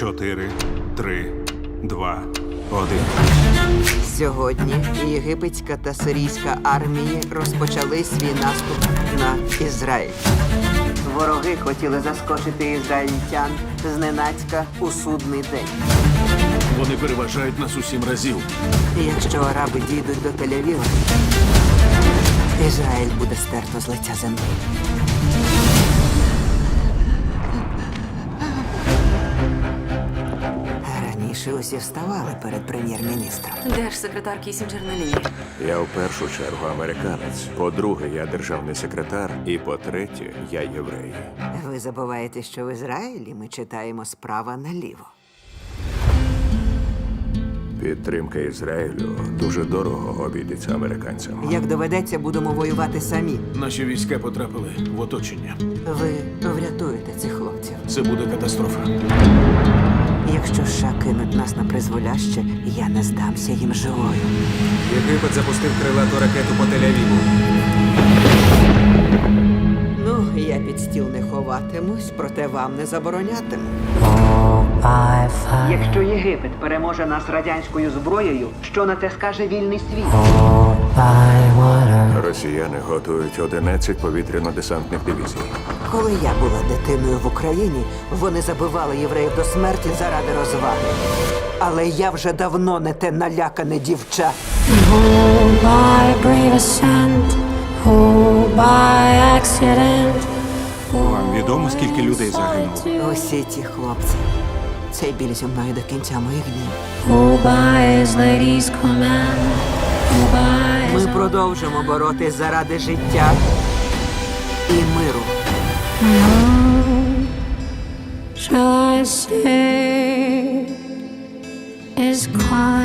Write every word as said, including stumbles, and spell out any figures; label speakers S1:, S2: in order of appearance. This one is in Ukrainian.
S1: Чотири, три, два, один.
S2: Сьогодні єгипетська та сирійська армії розпочали свій наступ на Ізраїль. Вороги хотіли заскочити ізраїльтян зненацька у судний день.
S3: Вони переважають нас у сім разів.
S2: І якщо араби дійдуть до Тель-Авіва, Ізраїль буде стерто з лиця землі. Раніше усі вставали перед прем'єр-міністром.
S4: Держсекретар Кісінджер на лінії.
S5: Я в першу чергу американець. По-друге, я державний секретар. І по-третє, я єврей.
S2: Ви забуваєте, що в Ізраїлі ми читаємо справа наліво.
S5: Підтримка Ізраїлю дуже дорого обійдеться американцям.
S2: Як доведеться, будемо воювати самі.
S3: Наші війська потрапили в оточення.
S2: Ви врятуєте цих хлопців.
S3: Це буде катастрофа.
S2: Якщо США кинуть нас на призволяще, я не здамся їм живою.
S6: Єгипет запустив крилату ракету по Тель-Авіву.
S2: Ну, я під стіл не ховатимусь, проте вам не заборонятиму. Якщо Єгипет переможе нас радянською зброєю, що на те скаже вільний світ?
S5: Росіяни готують одинадцять повітряно-десантних дивізій.
S2: Коли я була дитиною в Україні, вони забивали євреїв до смерті заради розваги. Але я вже давно не те налякане дівча.
S7: Oh, by brave ascent, oh, by accident.
S1: Вам відомо, скільки людей загинуло?
S2: Усі ті хлопці. Цей біль зі мною до кінця моїх днів.
S7: Oh, by his lady's command, oh, by his
S2: Ми продовжимо боротись заради життя і миру.
S7: shall I say is quiet.